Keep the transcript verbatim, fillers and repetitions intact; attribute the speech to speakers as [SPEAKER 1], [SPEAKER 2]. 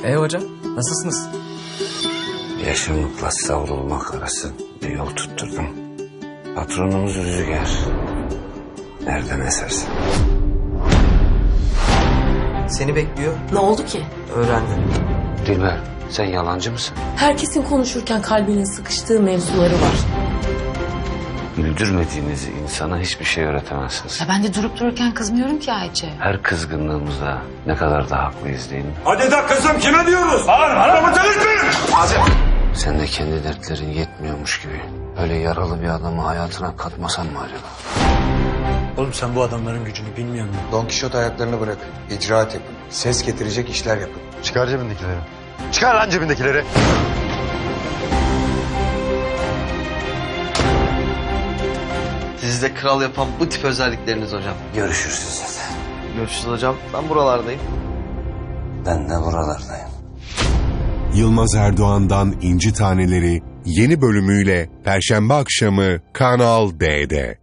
[SPEAKER 1] E hocam, nasılsınız?
[SPEAKER 2] Yaşamlıkla savrulmak arası bir yol tutturdum. Patronumuz Rüzgar. Nereden esersin?
[SPEAKER 1] Seni bekliyor.
[SPEAKER 3] Ne oldu ki?
[SPEAKER 1] Öğrendim.
[SPEAKER 2] Dilber, sen yalancı mısın?
[SPEAKER 3] Herkesin konuşurken kalbinin sıkıştığı mevzuları var.
[SPEAKER 2] Güldürmediğiniz insana hiçbir şey öğretemezsiniz.
[SPEAKER 4] Ya ben de durup dururken kızmıyorum ki Ayça.
[SPEAKER 2] Her kızgınlığımızda ne kadar da haklıyız değil mi?
[SPEAKER 5] Hadi de kızım kime diyoruz? Bağır, adamı delirtmeyin!
[SPEAKER 2] Sen de kendi dertlerin yetmiyormuş gibi öyle yaralı bir adamı hayatına katmasan mı acaba?
[SPEAKER 6] Oğlum sen bu adamların gücünü bilmiyor musun?
[SPEAKER 7] Don Kişot ayaklarını bırakın. İcraat yapın. Ses getirecek işler yapın.
[SPEAKER 8] Çıkar cebindekileri. Çıkar lan cebindekileri.
[SPEAKER 9] Sizi de kral yapan bu tip özellikleriniz hocam.
[SPEAKER 2] Görüşürüz zaten.
[SPEAKER 9] Görüşürüz hocam. Ben buralardayım.
[SPEAKER 2] Ben de buralardayım.
[SPEAKER 10] Yılmaz Erdoğan'dan İnci Taneleri yeni bölümüyle Perşembe akşamı Kanal D'de.